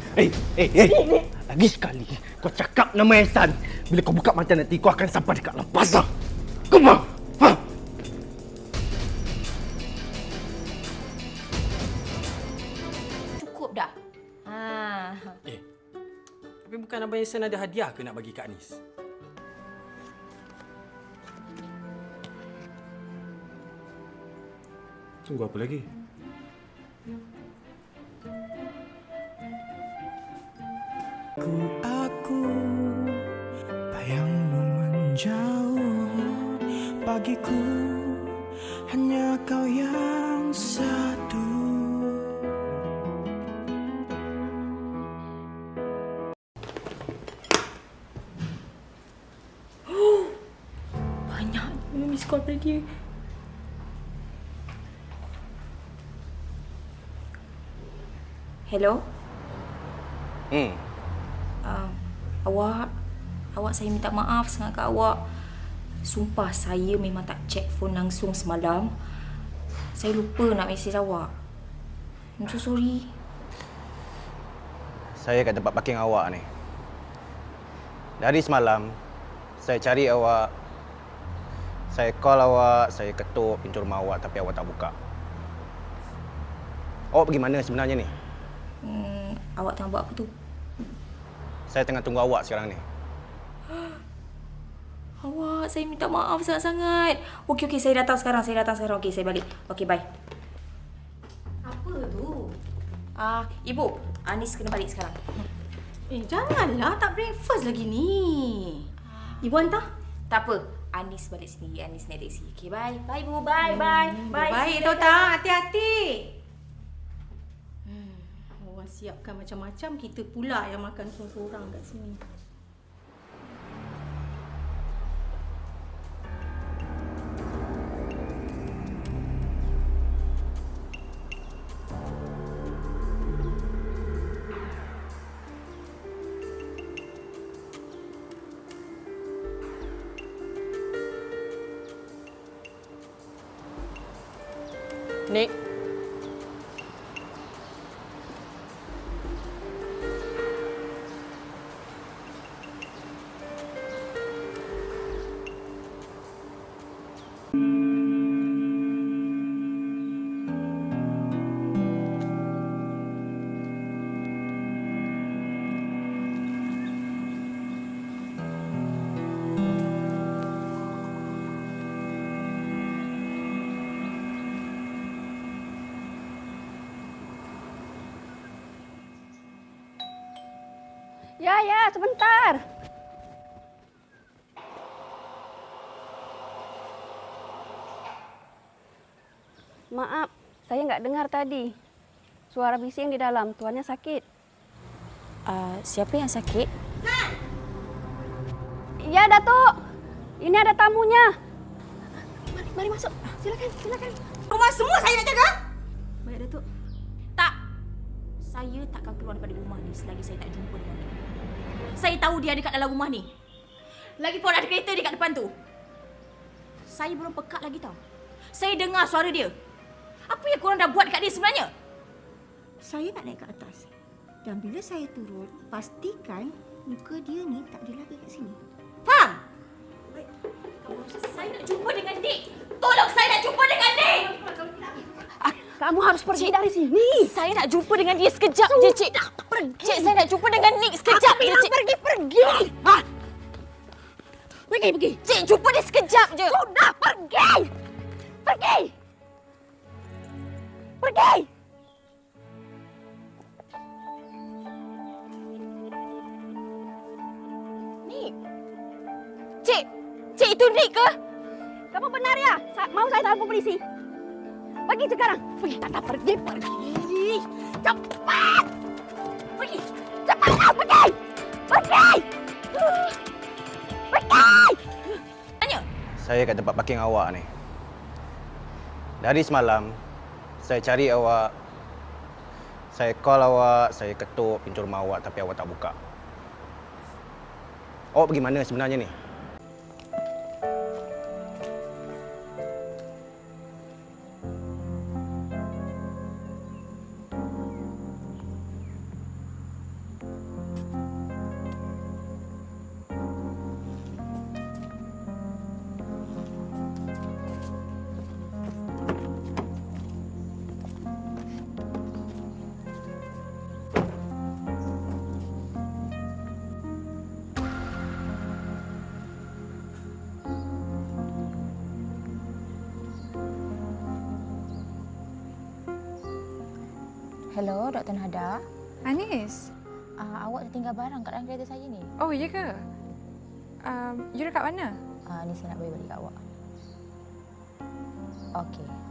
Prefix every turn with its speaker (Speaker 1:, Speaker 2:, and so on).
Speaker 1: Lagi sekali kau cakap nama Ehsan. Bila kau buka mata nanti, kau akan sampai dekat dalam pasar. Come on! Ha?
Speaker 2: Cukup dah.
Speaker 3: Tapi bukan Abang Ehsan ada hadiah ke nak bagi Kak Anis? Tunggu apa lagi?
Speaker 4: Aku bayangmu menjauh, bagiku hanya kau yang satu.
Speaker 2: Banyak miss call pada dia. Hello? Awak saya minta maaf sangat kat awak. Sumpah saya memang tak check phone langsung semalam. Saya lupa nak mesej awak. I'm so sorry.
Speaker 1: Saya kat tempat parking awak ni. Dari semalam, saya cari awak. Saya call awak, saya ketuk pintu rumah awak tapi awak tak buka. Awak pergi mana sebenarnya ni?
Speaker 2: Awak tengah buat apa tu?
Speaker 1: Saya tengah tunggu awak sekarang ni.
Speaker 2: Awak, saya minta maaf sangat-sangat. Okey, saya datang sekarang. Okey, saya balik. Okey, bye. Apa tu? Ibu, Anis kena balik sekarang.
Speaker 5: Janganlah, tak breakfast lagi ni. Ibu hantar?
Speaker 2: Tak apa. Anis balik sendiri. Anis naik taksi. Okey, bye. Bye, Bu. Bye.
Speaker 5: Baik, tahu tak? Hati-hati. Orang siapkan macam-macam, kita pula yang makan sorang-sorang kat sini.
Speaker 6: Nik.
Speaker 7: Ya, sebentar. Maaf, saya nggak dengar tadi. Suara bising di dalam, tuannya sakit.
Speaker 2: Siapa yang sakit?
Speaker 7: Ya, Datuk. Ini ada tamunya.
Speaker 5: Mari masuk. Silakan. Rumah semua saya nak jaga. Baik, Datuk.
Speaker 2: Tak. Saya takkan keluar daripada rumah ni selagi saya tak jumpa dengan dia. Saya tahu dia ada kat dalam rumah ni. Lagipun ada kereta dekat depan tu. Saya belum pekat lagi tau. Saya dengar suara dia. Apa yang korang dah buat dekat dia sebenarnya?
Speaker 5: Saya nak naik ke atas. Dan bila saya turun, pastikan muka dia ni tak ada lagi kat sini. Faham?
Speaker 2: Saya nak jumpa dengan Nik. Tolong, saya nak jumpa dengan Nik.
Speaker 7: Kamu harus pergi dari sini.
Speaker 2: Saya nak jumpa dengan dia sekejap je, Cik. Cik, saya nak jumpa dengan Nik sekejap je, Cik.
Speaker 7: Pergi. Pergi.
Speaker 2: Cik, jumpa dia sekejap je.
Speaker 7: Sudah, pergi.
Speaker 2: Nik. Cik, itu Nik ke?
Speaker 7: Kamu benar ya? Mau saya telefon polisi? Pergi sekarang. Pergi. Cepat. Pergi.
Speaker 2: Tanya.
Speaker 1: Saya kat tempat parking awak ni. Dari semalam, saya cari awak. Saya call awak, saya ketuk pintu rumah awak tapi awak tak buka. Awak pergi mana sebenarnya ni?
Speaker 6: Hello, Dr. Nada.
Speaker 8: Anis.
Speaker 6: Awak tertinggal barang kat dalam kereta saya ni.
Speaker 8: Oh, ya ke? You dekat mana?
Speaker 6: Ni saya nak bagi balik kat awak. Okey.